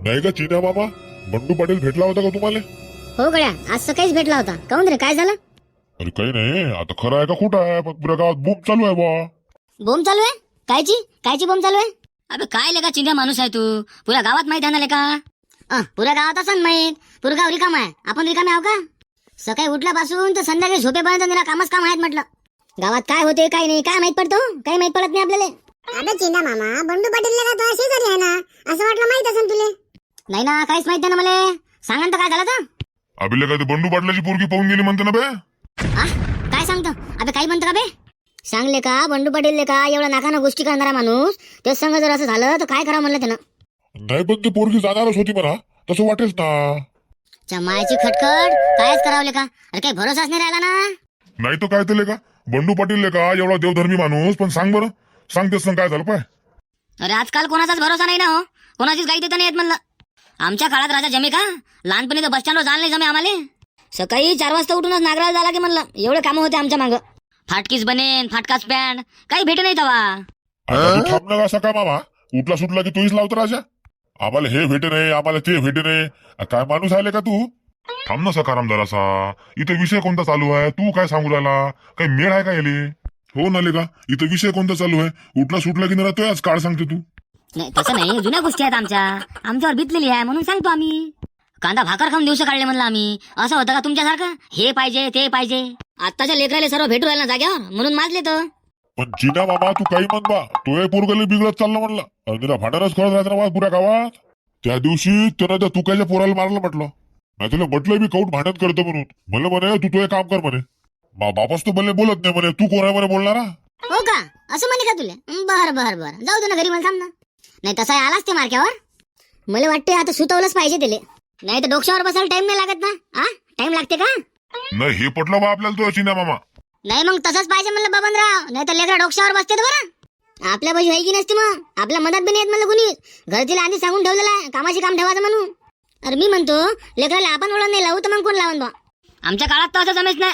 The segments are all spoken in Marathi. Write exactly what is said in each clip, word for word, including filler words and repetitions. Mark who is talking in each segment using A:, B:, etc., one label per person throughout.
A: नाही का चिन्या मामा, बंडू पाटील भेटला होता का तुम्हाला?
B: हो गड्या, आज सकाळीच भेटला होता. काऊन रे, काय झालं?
A: अरे काही नाही, आता खरं आहे का खोटं आहे, पण पुऱ्या गावात बूम चालू आहे बा.
B: बोंब चालू आहे? कायची कायची बोंब चालू आहे?
C: अबे काय लेका चिंध्या माणूस आहे तू, पुऱ्या गावात माहित आहे ना लेका.
B: अं, पुऱ्या गावात असं माहित, पुरं गाव रिकाम आहे. आपण रिकामे आहो का? सकाळी उठल्यापासून तर संध्याकाळी झोपेपर्यंत निरा कामच काम आहेत म्हटलं. गावात काय होते काय नाही काय माहित पडतो? काही माहित पडत नाही आपल्याला.
D: अबे चिंदा मामा, बंडू पाटील का तो शेजारी आहे ना, असं वाटलं माहित असेल तुले.
B: नाही ना, काहीच माहित नाही ना मला. सांगा ना, तर काय झालं तर?
A: अभिले काय ते बंडू पाटलाची पोरगी पाहून गेली म्हणते ना बे.
B: आ? काय सांगतो? अबे काही म्हणतो का बे? सांगले का बंडू पाटील का एवढा नाकानं गोष्टी करणारा माणूस, तेच संग जर असं झालं तर काय करावं म्हणलं त्यानं.
A: नाही पण ती पोरगी जाणारच होती म्हणा, तसं वाटेच ना.
B: चमायची खटखट कायच करावले का? अरे काही भरोसाच नाही राहिला ना.
A: नाही तो काय ते का बंडू पाटील का एवढा देवधर्मी माणूस, पण सांग बरं, सांग तेच काय झालं पाय.
C: अरे आजकाल कोणाचाच भरोसा नाही ना हो, कोणाचीच गाई देता नाही येत म्हणलं. आमच्या काळात राजा जमे का? लहानपणी तर बस स्टँडवर जायला नाही जमे आम्हाला. सकाळी चार वाजता उठूनच नागराला झाला की म्हणलं, एवढे कामं होते आमच्या मागं. फाटकीच बनेन, फाटकाच पॅन्ट, काही भेटे नाही तवा.
A: आता तू थांब ना असा का मामा, उठला सुटला की तूच लावतो राजा. आम्हाला हे भेटे नाही, आम्हाला ते भेटे नाही. आ, काय माणूस आले का तू? थांब ना सकाराम जरासा, इथं विषय कोणता चालू आहे, तू काय सांगू राहिला? काही मेळ आहे का याले? हो ना का इथं विषय कोणता चालू आहे? उठला सुटला की ना तो आज काळ सांगते तू.
C: नाही तसं नाही, जुन्या गोष्टी आहेत आमच्या, आमच्यावर बितलेली आहे म्हणून सांगतो आम्ही. कांदा भाकर खाऊन दिवस काढले म्हणलं आम्ही. असं होतं का तुमच्यासारखं? हे पाहिजे ते पाहिजे. आत्ताच्या लेकराले सर्व भेटू राहिला जाग्यावर म्हणून माजले तर.
A: पण जिना मामा तू काही म्हण बा, तो हे पोरगले बिघडत चाललं म्हणलं. अरे तिला भांडणच करत राहत ना पुऱ्या गावात. त्या दिवशी त्यानं त्या तुकाच्या पोराला मारलं म्हटलं. नाही तुला म्हटलं मी कौट भांडण करतो म्हणून. म्हणलं म्हणे तू तो हे काम कर म्हणे. मा बापास तो भले बोलत नाही म्हणे, तू कोण आहे म्हणे बोलणारा?
B: हो का? असं म्हणे का तुला? बर बर बर, जाऊ दे ना घरी, मला थांब ना. नाही तसा आलाच ते मार्क्यावर. मला वाटते आता सुतवलंच पाहिजे त्याले, नाही तर डोक्यावर बसायला टाइम नाही लागत ना. हा टाइम लागते का?
A: नाही हे पटलं बा आपल्याला तो चिना मामा.
B: नाही मग तसंच पाहिजे म्हणलं बबनराव, नाही तर लेकरा डोक्यावर बसते बरं. आपल्या बाजू आहे की नसते मग, आपल्या मदत बी नाही येत म्हणलं कुणी. घरतीला आधी सांगून ठेवलेलं आहे कामाशी काम ठेवायचं म्हणून. अरे मी म्हणतो लेकराला आपण ओळख नाही लावू तर मग कोण लावून बा?
C: आमच्या काळात तर असं जमेच नाही.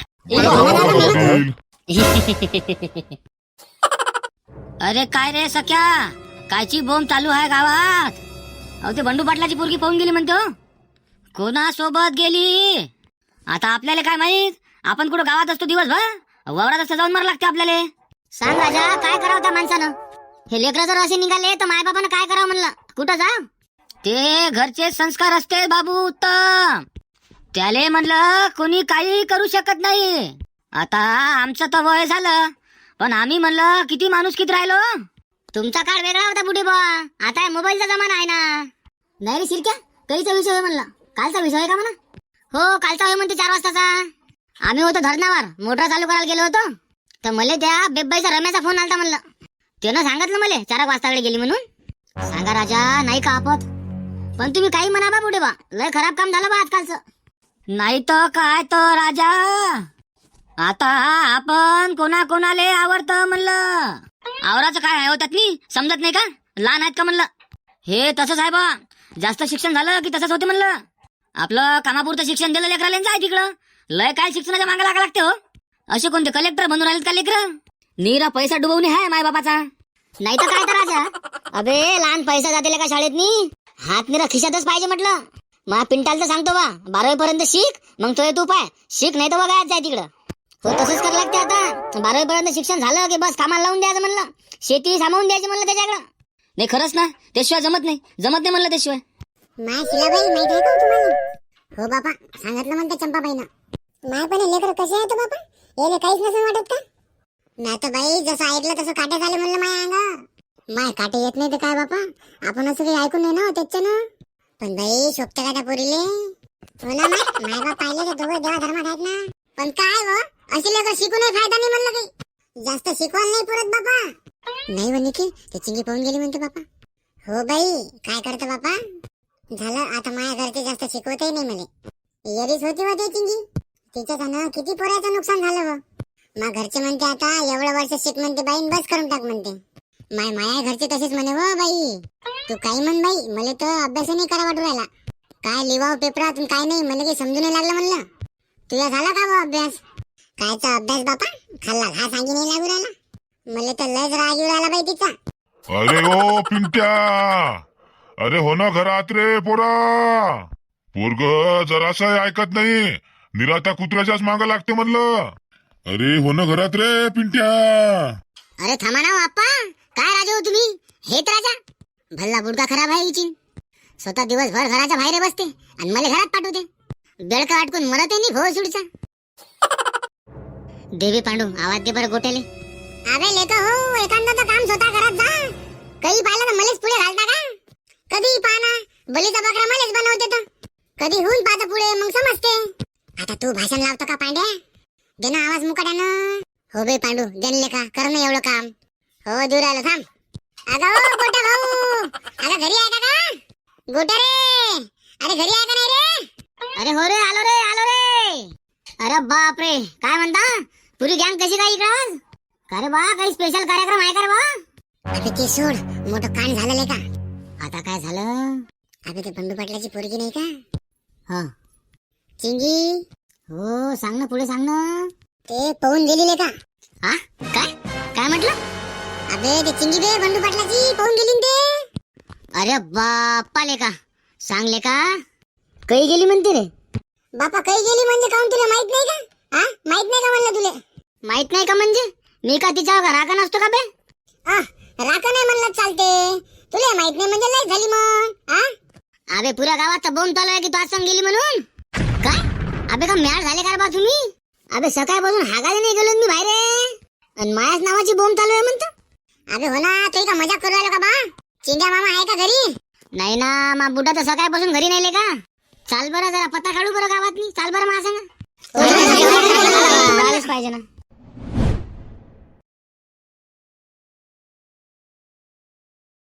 C: अरे काय रे सख्या, कायची बोंब चालू आहे गावात? अहो ते बंडू पाटलाची पोरगी पाहून गेली म्हणतो. कोणा सोबत गेली आता आपल्याला काय माहित? आपण कुठं गावात असतो दिवसभर, वावरात असतो जाऊन मार लागते आपल्याला.
B: सांग राजा, काय करावं त्या माणसानं? हे लेकरं जर असे निघाले तर मायबापानं काय करावं म्हणलं? कुठं जा?
C: ते घरचे संस्कार असते बाबू उत्तम, त्याले म्हणलं कोणी काही करू शकत नाही. आता आमचं तर वय झालं, पण आम्ही म्हणलं किती माणूस किती राहिलो.
B: तुमचा काळ वेगळा होता बुढे बा, आता मोबाईलचा जमाना आहे ना. नाही रे शिरक्या, कधीचा विषय आहे म्हणलं? कालचा विषय आहे का म्हणा? हो कालचा होय म्हणते, चार वाजताचा. आम्ही होतो धरणावर, मोटर चालू करायला गेलो होतो, तर मला त्या बेब्बाईचा रम्याचा फोन आलता म्हणलं. त्यानं सांगितलं मला चार वाजताकडे गेली म्हणून. सांगा राजा, नाही का आपत? पण तुम्ही काही म्हणा बा बुढे बा, लय खराब काम झालं बा आजकालचं.
C: नाही तर काय तर राजा, आता आपण कोणा कोणाले आवडतं म्हणलं. आवराचं काय आहे होतात नाही समजत नाही का? लहान आहेत का म्हणलं? हे तसंच आहे बा, जास्त शिक्षण झालं की तसंच होते म्हणलं. आपलं कामापुरतं शिक्षण दिलं लेकराला जाय तिकडं, लय काय शिक्षणाच्या मागे लागा लागते हो. असे कोणते कलेक्टर बनून राहिले का लेकर? नीरा पैसा डुबवणे आहे माय बापाचा.
B: नाही तर काय तर राजा, अबे लहान पैसा जाते का शाळेत नी, हात निरा खिशातच पाहिजे म्हटलं. मा पिंटाल तर सांगतो बा, बारावी पर्यंत शिक, मग तो तू पाय शिक, नाही तर बघा जाय तिकडं. हो तसंच करावं लागते आता. बारावी पर्यंत शिक्षण झालं की बस कामाला लावून द्यायचं म्हणलं, शेती सामावून द्यायची म्हणलं त्याच्याकडं.
C: नाही खरंच ना, त्याशिवाय जमत नाही, जमत नाही म्हणलं त्याशिवाय.
D: माय शिलाबाई माहित आहे का तुम्हाला? हो बापा, सांगितलं म्हणते चंपाबाईनं. माय पण लेकर कसे आहेत बापा, याले काहीच नसेल वाटत का? नाही तर बाई जसं ऐकलं तसं काटे झाले म्हणलं माय अंग. माय काटे येत नाही तर काय बापा, आपण असं काही ऐकून नाही ना त्याच्यानं. पण बाई शोभते का त्या पोरीले? हो ना माय, माय बाप पाहिले तर दोघं देवा धर्मात आहेत ना. पण काय हो, अशी लेकर शिकूनही फायदा नाही म्हणलं काही. जास्त शिकवायला नाही पुरत बापा. नाही म्हणे की ते चिंगी पाहून गेली म्हणते बापा. हो बाई काय करतं बापा, झालं आता माझ्या घरचे जास्त शिकवतही नाही मला. येरीच होती होते चिंगी, तिच्यानं किती पोराचं नुकसान झालं व. मग घरचे म्हणते आता एवढं वर्ष शिक म्हणते बाई, बस करून टाक म्हणते. माय माया घरचे तसेच म्हणे हो बाई. तू काही म्हण बाई, मला तर अभ्यास नाही करा वाटू राहिला. काय लिवाव पेपरात काय नाही, मला काही समजून नाही लागलं म्हणलं. तुझा झाला का व अभ्यास? कायचा अभ्यास बापा, खाल्ला घा सांगी नाही लागू राहिला. मला तर लयच राग येऊ राहिला बाई तिचा.
A: अरे ओ पिंट्या, अरे हो ना घरात रे पोरा. पोरग जरासं ऐकत नाही, निरात्या कुत्र्याच्याच मागं लागते म्हणलं. अरे हो ना घरात रे पिंट्या.
B: अरे थांबा ना हो आप्पा, काय राजा हो तुम्ही? हेच राजा भल्ला बुडका खराब आहे हिची. स्वतः दिवसभर घराच्या बाहेर बसते आणि मला घरात पाठवते. बेडका अटकून मरते नि भो सुडचा. देवी पांडू आवाज दे बरं गोट्याले.
D: अबे लेका हो, एखादं काम स्वतः घरात जा. काही पाहिलं तर मलेच पुढे घालता का? कधी पाना बलीचा बकरा मलेच बनवते तर कधी होऊन पाहता पुढे, मग समजते. आता तू भाषण लावतो का पांड्या? दे ना आवाज मुकाट्यानं.
B: हो बे पांडू, जनले का कर ना एवढं काम.
D: हो दूर आलो थांब. अगं हो गोट्या भाऊ, अगं घरी आहे का का? गोट्या रे, अरे घरी आहे का नाही रे?
B: अरे हो रे, आलो रे आलो रे. अरे बाप रे, काय म्हणता? पुरी गँग कशी काय इकडं आज? का रे बा, काही स्पेशल कार्यक्रम आहे का रे बा?
D: अबे ते सोड, मोठं कांड झालं का?
B: आता काय झालं?
D: अबे ते बंडू पाटलाची पोरगी नाही का,
B: हा
D: चिंगी?
B: हो सांग ना, पुढे सांग ना.
D: ते पळून गेलेले का?
B: हा काय काय म्हटलं?
D: अबे ते चिंगी बे बंडू पाटलाची पळून गेली न ते.
B: अरे बाप्पा लेका, सांगले का काही गेली म्हणते रे?
D: बापा काही गेली म्हणजे काऊन, तुला माहित नाही का? हा माहित नाही का म्हणलं तुले?
B: माहित नाही का म्हणजे? मी का तिच्यावर राखा नसतो का बे?
D: आ राखा नाही म्हणलं चालते, तुला माहित नाही म्हणजे लय झाली मग. हा
B: अबे पुऱ्या गावात बोंब चालू आहे की तू आज सांग गेली म्हणून. काय अबे का मॅड झाले का बा तुम्ही? अबे सकाळपासून हागायला नाही गेलो मी बाहेर, आणि मायाच नावाची बोंब चालू आहे म्हणतो.
D: अबे हो ना, तू का मजाक करू राहिलो का बा? चिंग्या मामा आहे का घरी?
B: नाही ना, मा बुड्डा तर सकाळपासून घरी नाही का. चाल बरं जरा पत्ता काढू बरं गावात. चाल बरं मला सांगा. पाहिजे ना.